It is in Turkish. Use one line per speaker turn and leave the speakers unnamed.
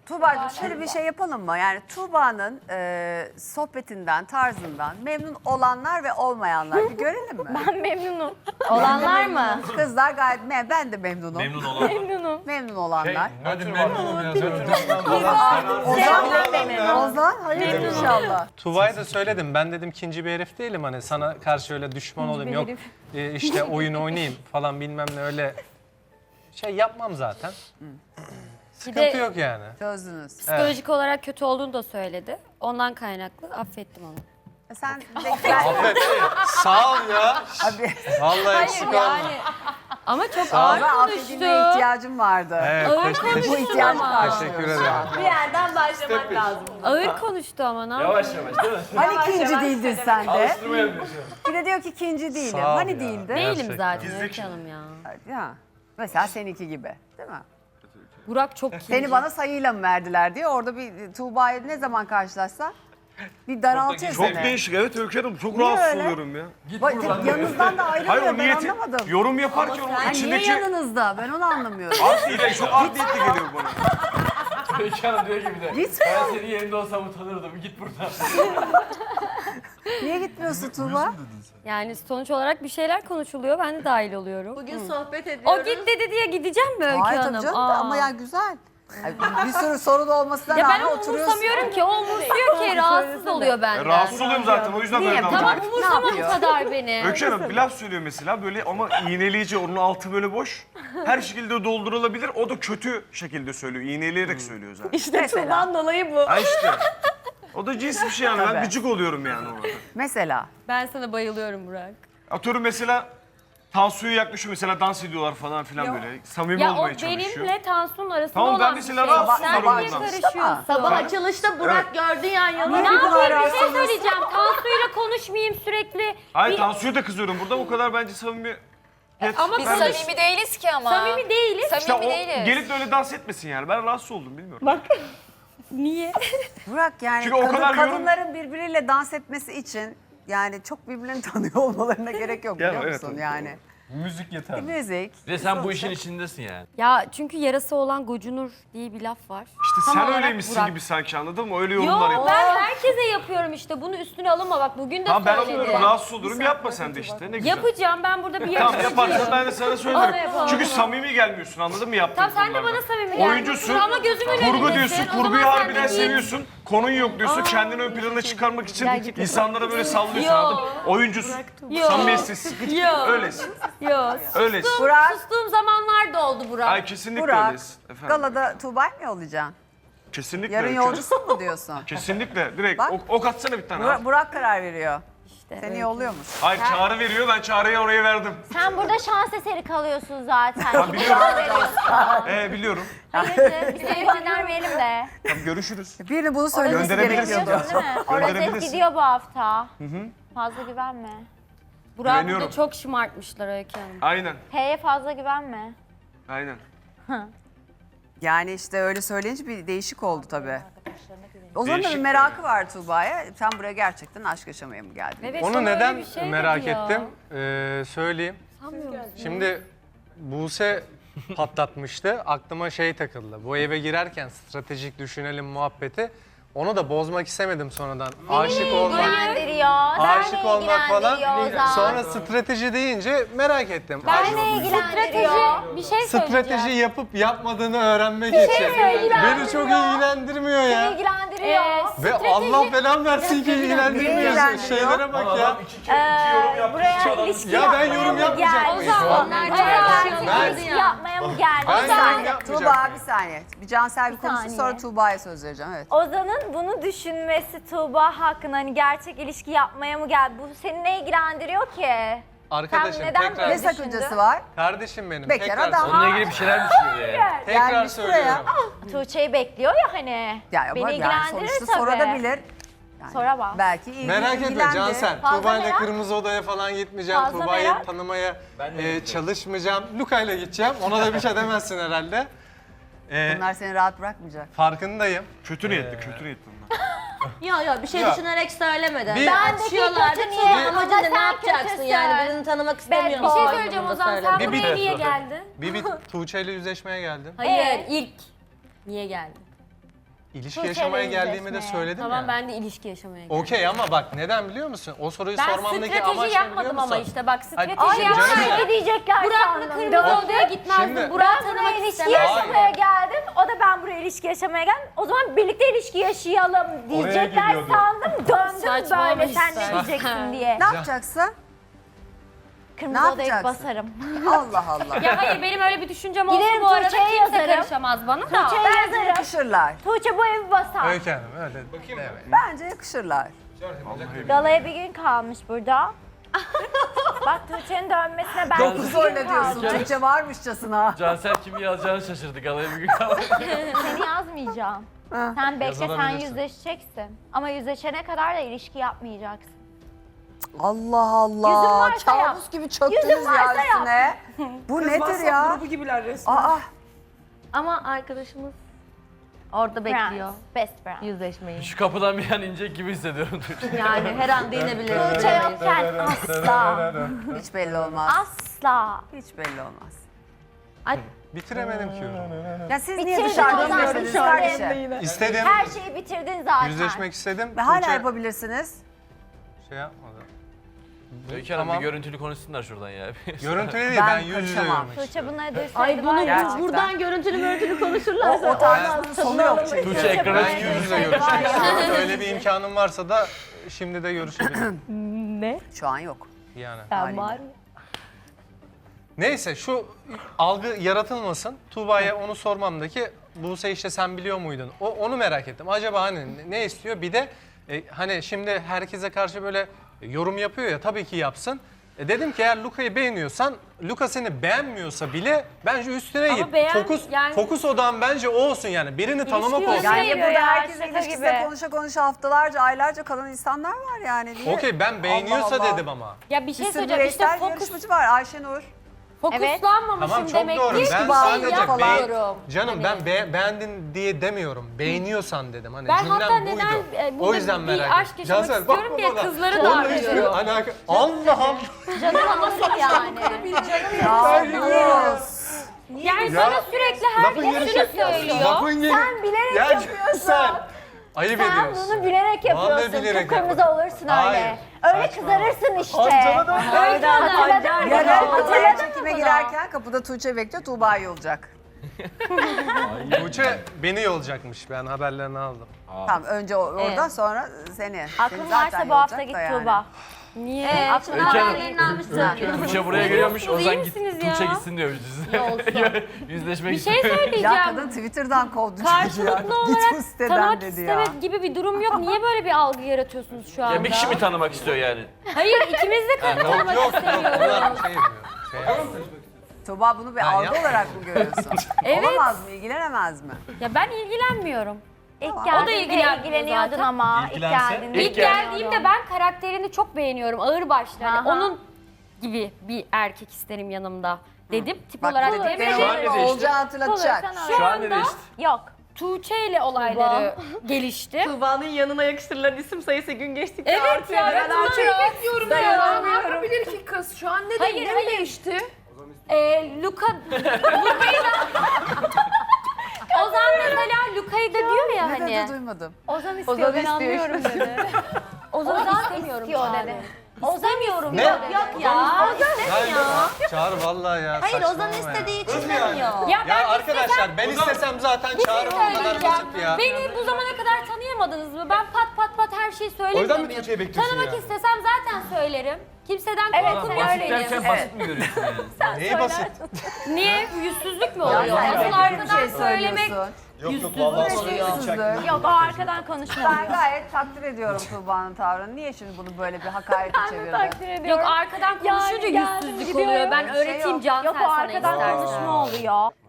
Tuğba'cığım şöyle bir şey yapalım mı? Yani Tuğba'nın sohbetinden, tarzından memnun olanlar ve olmayanlar bir görelim mi?
Ben memnunum.
Olanlar mı?
Kızlar gayet ben de memnunum.
Memnun olan.
Memnunum.
Memnun olanlar.
Hadi memnunum ya.
Ozan hayırdır inşallah.
Tuva'ya da söyledim. Ben dedim ikinci bir herif değilim. Hani sana karşı öyle düşman olayım. Yok işte oyun oynayayım falan bilmem ne öyle şey yapmam zaten. Sıkıntı yok yani.
Çözdünüz.
Psikolojik olarak kötü olduğunu da söyledi. Ondan kaynaklı affettim onu.
Sen de
Sağ ol ya.
abi
Vallahi eksik olma.
Ama çok
Sağ ol.
ağır
ben
konuştu.
affedilmeye ihtiyacım vardı.
Evet,
Ağır
Bu
konuştu
ihtiyacı
ama.
karşılıyorsun.
teşekkür ederim.
Bir yerden başlamak lazım.
Ağır konuştu ama ne
Yavaş yavaş değil mi?
Hani ikinci değildin sen de?
Alıştırma yapıyorsun.
Bir de diyor ki ikinci değilim.
Sağ ol
Hani
ya.
değildi?
Değilim
Gerçekten.
zaten Öykü Hanım ya.
Ya. Mesela seninki gibi değil mi?
Burak çok kinci.
Seni bana sayıyla mı verdiler diye orada bir Tuğba'yı ne zaman karşılaşsan bir daraltıyor
Çok
seni.
değişik, evet Öykü Hanım. Çok
Niye
rahatsız
öyle?
oluyorum ya.
Bak, yanınızdan da
Hayır
ayrılmıyor
o
ben
niyeti,
anlamadım.
yorum yaparken onun
Ha, niye
içindeki
yanınızda? Ben onu anlamıyorum.
art niyeti, çok art niyetli geliyor bana.
Öykü Hanım diyor gibi de.
Gitmiyor.
Ben senin yerinde olsam utanırdım. Git buradan.
Niye gitmiyorsun Tuğba?
Yani sonuç olarak bir şeyler konuşuluyor. Ben de dahil oluyorum.
Bugün sohbet
O
ediyoruz.
git dedi diye gideceğim mi Öykü
Hayır
Hanım?
tabii canım da
Aa.
ama ya güzel. Ay, bir sürü sorun olmasına
Ya ben
rağmen
onu
oturuyorsun.
umursamıyorum ki. O umursuyor ki. Rahatsız oluyor benden.
Rahatsız oluyorum zaten, o yüzden
Niye?
böyle
Tamam.
davranıyorum.
Tamam umursama bu
yapıyor?
kadar beni.
Öykü Hanım bir laf söylüyor mesela böyle ama iğneleyici, onun altı böyle boş. Her şekilde doldurulabilir, o da kötü şekilde söylüyor, iğneleyerek söylüyor zaten.
İşte
Mesela.
Tuğba'nın dolayı bu.
Ha işte. O da cins bir şey yani, ben
Tabii.
gıcık oluyorum yani orada.
Mesela.
Ben sana bayılıyorum Burak.
Atıyorum mesela Tansu'yu yaklaşıyor mesela dans ediyorlar falan filan böyle. Samimi
Ya o
olmaya çalışıyor.
benimle Tansu'nun arasında
Tamam, ben
olan bir
mesela
şey.
rahatsızım
Sen
ondan.
niye karışıyorsun?
Sabah açılışta Burak gördü yan yana.
Niye
Ne
bu kadar
yapayım bir şey
rahatsız
söyleyeceğim. Tansu'yla konuşmayayım sürekli.
Hayır
Bir-
Tansu'ya da kızıyorum burada, o kadar bence samimi.
Ama
Biz
konuş-
samimi değiliz ki ama.
Samimi değiliz.
İşte o
değiliz.
gelip de öyle dans etmesin yani. Ben rahatsız oldum, bilmiyorum.
Niye?
Burak yani
Çünkü o kadar yorum-
kadınların birbiriyle dans etmesi için yani çok birbirini tanıyor olmalarına gerek yok
Ya,
biliyor
evet,
musun
evet,
yani?
Müzik yeter.
Müzik.
Bir de sen bu işin içindesin yani.
Ya çünkü yarası olan gocunur diye bir laf var.
İşte
Tam
sen
olarak
öyleymişsin
Burak.
gibi sanki, anladın mı? Öyle yorumlar
Yo
yapıyorsun.
ben herkese yapıyorum işte. Bunu üstüne alınma bak bugün de
Tamam ben
söyledim.
oluyorum, rahatsız olurum. Yapma sen de işte. Ne güzel.
Yapacağım ben burada bir
Tamam
yarışmacıyım.
yaparsan ben de sana
Onu
söylerim.
yapalım.
Çünkü samimi gelmiyorsun, anladın mı yaptığın
Tamam sen de
konularda?
bana samimi gelmiyorsun
Oyuncusun,
ama gözümün önündesin.
kurgu diyorsun,
O zaman
kurguyu
sen
harbiden
de değil.
seviyorsun. Konun yok diyorsun, kendini ön plana çıkarmak için insanlara böyle sallıyorsun,
Yo.
anladın mı? Oyuncusun,
Yo.
samimiyetsiz.
Yo.
Öylesin,
Yok.
öylesin.
Burak,
Sustuğum zamanlar da oldu Burak.
Ay kesinlikle
Burak,
öylesin. Efendim.
galada Tuğba'yı mı yollayacaksın?
Kesinlikle.
Yarın
Öykü Hanım.
yolcusun mu diyorsun?
Kesinlikle, direkt.
Bak.
Ok atsana bir tane. al.
Burak karar veriyor.
İşte
Seni
öyle.
yolluyormuş.
Hayır çağrı veriyor, ben çağrıya oraya verdim.
Sen burada şans eseri kalıyorsun zaten.
Ben biliyorum. Biliyorum.
Hayırdır? Bir seni göndermeyelim de.
Tamam görüşürüz.
Birini bunu söylemesi
Gönderebilirsin
gerekiyordu.
Değil mi? O rozet
Gönderebilirsin.
gidiyor bu hafta. Fazla güvenme.
Burak'ı
Güveniyorum.
burada çok şımartmışlar Öykü Hanım.
Aynen,
H'ye fazla güvenme.
aynen.
Yani işte öyle söyleyince bir değişik oldu tabii. O zaman da bir
Değişik
merakı var Tuğba'ya. Sen buraya gerçekten aşk yaşamaya mı geldin?
Evet,
Onu
sana öyle
neden
bir şey dedi
merak
ya.
ettim? Söyleyeyim.
Sanmıyor musun?
Şimdi Buse patlatmıştı. Aklıma şey takıldı. Bu eve girerken stratejik düşünelim muhabbeti. Onu da bozmak istemedim sonradan. Aşık olmak,
İlgilendiriyor.
aşık olmak falan.
ilgilendiriyor Ozan.
Sonra strateji deyince merak ettim.
Benle ilgilendiriyor.
Bir şey
Strateji
söyleyeceğim.
yapıp yapmadığını öğrenmek için. Beni çok ilgilendirmiyor ya.
İlgilendiriyor.
Ve Allah belamı versin ki ilgilendirmiyor.
ilgilendiriyor?
Şeylere bak ya.
Buraya ilişki
Ya ben
yapmaya
yorum
mı
yapmayacak
geldin?
mıyım?
Onlar
Ben-
ilişki yapmaya mı geldin?
Ben
Bir
yorum
saniye.
yapmayacağım.
Tuğba bir saniye. Bir Cansel bir konuşsun
saniye.
sonra Tuğba'ya söz vereceğim. Evet.
Ozan'ın bunu düşünmesi Tuğba hakkında hani gerçek ilişki yapmaya mı geldi? Bu seni ne ilgilendiriyor ki?
Arkadaşım
Sen neden
tekrar.
Ne
böyle
sakıncası var?
Kardeşim benim.
Bekar
tekrar
adam.
söylüyorum.
Onunla ilgili bir şeyler düşünüyor yani.
Tekrar
Gelmiş
söylüyorum.
Tuğçe'yi bekliyor ya hani.
Ya ama
Beni
yani
ilgilendirir
sonuçta
tabii.
sorabilir. Yani
Sonra bak.
Belki
Merak etme
ilgilendi.
Cansel.
Fazla
Tuğba ile
merak.
Kırmızı Oda'ya falan gitmeyeceğim.
Fazla
Tuğba'yı
merak.
tanımaya
Ben de
çalışmayacağım. Luka ile gideceğim. Ona da bir şey demezsin herhalde.
Bunlar seni rahat bırakmayacak.
Farkındayım.
Kötü niyetli, kötü niyetli bunlar.
Yok bir şey
Ya.
düşünerek söylemeden.
Bir-
Atışıyorlar
kötü
da
niyet.
Tuğba
Ama
amacın ne
sen
yapacaksın
kötüsün.
yani birini tanımak istemiyorum.
Bir şey
Aa,
söyleyeceğim
bunu
Ozan. Sen
söyle.
Bir
buraya niye
bit-
geldin?
Bir Tuğçe ile yüzleşmeye geldim.
Hayır ilk. Niye geldin?
ilişki
Tuğçe'yle
yaşamaya geldiğimi de
yüzleşmeye.
söyledim
Tamam
ya.
ben de ilişki yaşamaya geldim.
Okey ama bak neden biliyor musun? O soruyu
Ben
sormamdaki amaç
strateji
ne biliyor
yapmadım
musun?
ama işte bak strateji
Hayır,
Ay
canım
yapsaydım.
ya.
ne diyecekler
Burak'la
sandım.
kırmızı
Döndüm.
odaya gitmezdim.
Şimdi-
Burak'ı
Ben buraya
tanımak
ilişki
istemezdim.
yaşamaya geldim. O da ben buraya ilişki yaşamaya geldim. O zaman birlikte ilişki yaşayalım diyecekler
gidiyordu.
sandım. Döndüm
Saçmalama
böyle sen
işte.
ne diyeceksin diye.
Ne yapacaksın?
Kırmızı
Ne
odaya
yapacaksın?
basarım.
Allah Allah.
Ya hayır benim öyle bir düşüncem olsa
Giderim
bu arada
Tuğçe'ye
kimse
yazarım.
karışamaz bana da.
Tuğçe'ye
Bence
yazarım.
yakışırlar.
Tuğçe bu evi basar.
Öykü Hanım öyle deme.
Bence yakışırlar.
Galaya bir gün kalmış burada. Bak Tuğçe'nin dönmesine ben
Dokuz
2 gün
öyle diyorsun.
kaldım.
Tuğçe varmışçasına.
Cansel kimi yazacağını şaşırdı. Galaya bir gün kaldı.
Seni yazmayacağım.
Ha.
Sen bekle, sen
Yazılabilirsin.
yüzleşeceksin. Ama yüzleşene kadar da ilişki yapmayacaksın.
Allah
Yüzün
Allah.
varsa yap.
Kabus gibi çöktünüz
Yüzün varsa
ya üstüne. Bu nedir ya?
grubu gibiler resmen.
Aa,
Ama arkadaşımız orada bekliyor
Best friend.
yüzleşmeyi.
Şu kapıdan bir an inecek gibi hissediyorum.
Yani her an değinebilir.
Tuğçe yokken asla.
hiç belli olmaz.
Asla.
Hiç belli olmaz.
Ay,
Bitiremedim ki yorumu.
Ya siz niye
Bitirdin
dışarıda
o zaman,
izliyorsunuz
bitirdin.
kardeşim?
İstedim.
Her şeyi bitirdin zaten.
Yüzleşmek istedim.
Ve hala
Tuğçe
yapabilirsiniz.
şey yapmadı.
Öykü Hanım
Tamam.
bir görüntülü konuşsunlar şuradan ya.
Görüntülü değil
Ben
ben yüz yüze
karışamam.
görmek
Tuğçe
istiyorum.
bunları duysaydı
ay bunu
var ya.
Gerçekten.
buradan görüntülü konuşurlarsa.
O tarzın sonu yok çünkü.
Tuğçe ekrana
Ben
çıkıyor.
yüz yüze görüşmek istiyorum. Öyle bir imkanım varsa da şimdi de görüşebilirim.
Şu an yok.
Yani.
Sen var ya.
Neyse şu algı yaratılmasın. Tuğba'ya onu sormamdaki Buse işte sen biliyor muydun? Onu merak ettim. Acaba hani ne istiyor? Bir de hani şimdi herkese karşı böyle yorum yapıyor ya tabii ki yapsın. Dedim ki eğer Luka'yı beğeniyorsan Luka seni beğenmiyorsa bile bence üstüne
Ama
git.
yani-
Fokus odan bence o olsun yani. Birini tanımak
İlişki
olsun.
Yani
Seviyor
burada
ya,
herkesin
şaka
ilişkisine
gibi.
konuşa haftalarca, aylarca kalan insanlar var yani. Niye?
Okey ben beğeniyorsa
Allah Allah.
dedim ama.
Ya bir
Bir
şey
sürü
söyleyeceğim işte
bireysel yarışmacı var Ayşenur.
fokuslanmamışım
Tamam çok
demek
doğru.
ki
Ben
bağlı
sadece
falan.
canım ben beğendin diye demiyorum. Beğeniyorsan dedim. Hani
Ben
cümlem
hatta
buydu.
neden
O yüzden
bir
merak
aşk
ettim.
yaşamak
Cansel, bak
istiyorum diye
bana.
kızları
Onunla
da
hiçbir
arıyorum.
alaka. Allah'ım.
Canım nasıl yani?
Yavuz.
Yani
Ya,
sana sürekli
lafın
herkes
gelişi-
şunu söylüyor.
Lafın gelişi-
Sen bilerek
Ya
yapıyorsun.
Sen ayıp
Sen
ediyorsun.
bunu bilerek
Vallahi
yapıyorsun.
bilerek
Kıpkırmızı
yapmadım.
olursun
Hayır,
öyle. Öyle
saçmalama.
kızarırsın işte.
Amcana da
Öyle hatırladın mı?
Yarın Atay'a
Hatırladın mı
çekime
bunu?
girerken kapıda Tuğçe bekliyor, Tuğba yolacak.
Tuğçe beni yolacakmış. Ben haberlerini aldım.
Tamam önce oradan sonra seni.
Aklın
Seni zaten
varsa bu hafta
yolacak
git
da yani.
Tuğba.
Niye?
Aklın
Öykü Hanım.
haberlerini almışsın.
Tuğçe buraya geliyormuş.
diyorsunuz,
Ozan
iyi
git.
misiniz
Tuğçe
ya?
gitsin diyor yüzleşmek
Bir
için.
şey
Ya
söyleyeceğim.
kadın Twitter'dan kovdu çocuğu ya.
Karşılıklı
Git
olarak
bu siteden
tanımak
dedi ya.
istemek gibi bir durum yok. Niye böyle bir algı yaratıyorsunuz şu anda?
Ya bir kişi mi tanımak istiyor yani?
Hayır ikimiz de tanımak
Yok
istemiyoruz.
onlar şey yapıyor. Şey yapıyor.
Tuğba bunu bir algı
yapmadım.
olarak mı görüyorsun?
Evet.
Olamaz mı, ilgilenemez mi?
Ya ben ilgilenmiyorum.
İlk
O da
geldiğinde
ilgilenmiyor
ilgileniyordun
zaten.
ama. İlk
İlgilense-
geldiğinde
İlk geldiğimde ben karakterini çok beğeniyorum. Ağırbaşlı. Hani
Aha.
onun gibi bir erkek isterim yanımda dedim. Tip
Bak
olarak
bu
dedim.
dediklerim
Şu an ne değişti?
Olcağı hatırlatacak.
Şu an ne değişti?
Yok.
Tuğçe ile olayları gelişti.
Tuğba'nın yanına yakıştırılan isim sayısı gün geçtikçe
Evet
artıyor.
ya ben Tuğçe'yi bekliyorum ya.
Ne yapabilir ki kız? Şu an ne
Hayır,
değil, ne
hayır.
değişti?
Luka'yı da... Ozan mesela Luka'yı da diyor ya
Ne
hani.
dedi duymadım.
Ozan istiyor, ben anlıyorum dedi.
Ozan istemiyorum
istiyor
şu an.
dedi.
İstemiyorum.
Ne?
Yok ya.
Çağır vallahi ya.
Hayır Ozan
saçmalama ya.
istediği için
Nasıl yani?
demiyor.
Ya ben
Ya arkadaşlar ben istesem zaten çağırım o kadar
söyleyeceğim.
basit ya.
Beni bu zamana kadar tanıyamadınız mı? Ben pat her şeyi söylemiyor
O yüzden mi
muyum?
Tuğçe'yi bekliyorsun
Tanımak
ya?
istesem zaten söylerim. Kimseden
Evet,
korkum
sen
yok
öyle
benim.
diyorsun.
basit mi görüyorsun yani?
Neyi basit?
Niye? Yüzsüzlük mü
Ya
oluyor?
sen
Asıl
bir
arkadan
şey
söylemek
söylüyorsun. Yüzsüzlük.
Yok o arkadan konuşmuyor.
Ben gayet takdir ediyorum Tuğba'nın tavrını. Niye şimdi bunu böyle bir hakarete çevirdin?
Takdir ediyorum.
Yok arkadan konuşunca
Yani geldim,
yüzsüzlük
gidiyorum.
oluyor. Ben
Öyle bir şey
öğreteyim
yok.
Cansel
Yok o
sana
arkadan
istersen.
konuşma oluyor.